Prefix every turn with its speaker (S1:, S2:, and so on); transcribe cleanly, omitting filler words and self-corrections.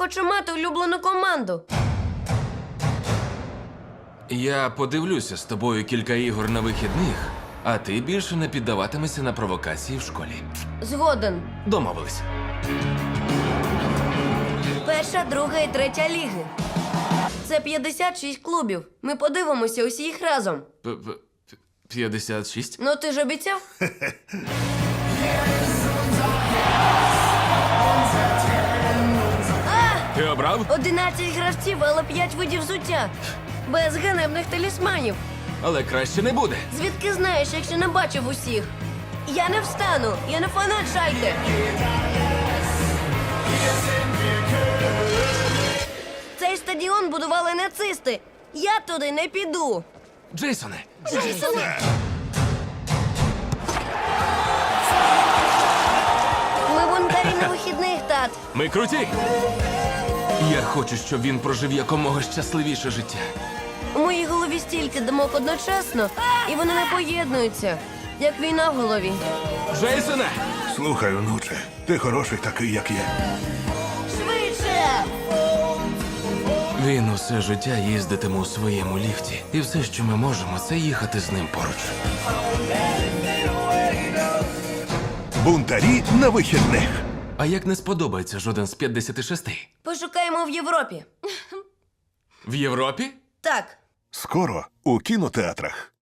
S1: хочу мати улюблену команду.
S2: Я подивлюся з тобою кілька ігор на вихідних, а ти більше не піддаватимешся на провокації в школі.
S1: Згоден.
S2: Домовились.
S1: Перша, друга і третя ліги. Це 56 клубів. Ми подивимося усі їх разом.
S2: 56?
S1: Ну ти ж обіцяв?
S2: Ти обрав?
S1: 11 гравців, але 5 видів взуття. Без ганебних талісманів.
S2: Але краще не буде.
S1: Звідки знаєш, якщо не бачив усіх? Я не встану, я не фанат Шальке. Цей стадіон будували нацисти. Я туди не піду.
S2: Джейсоне,
S1: Ми бунтарі на вихідних, тат.
S2: ми круті! Я хочу, щоб він прожив якомога щасливіше життя.
S1: У моїй голові стільки думок одночасно, і вони не поєднуються, як війна в голові.
S2: Джейсоне!
S3: Слухай, онуче, ти хороший такий, як є.
S1: Швидше!
S2: Він усе життя їздитиме у своєму ліфті. І все, що ми можемо, це їхати з ним поруч.
S3: Бунтарі на вихідних.
S2: А як не сподобається жоден з 56?
S1: Пошукаємо в Європі.
S2: В Європі?
S1: Так.
S3: Скоро у кінотеатрах.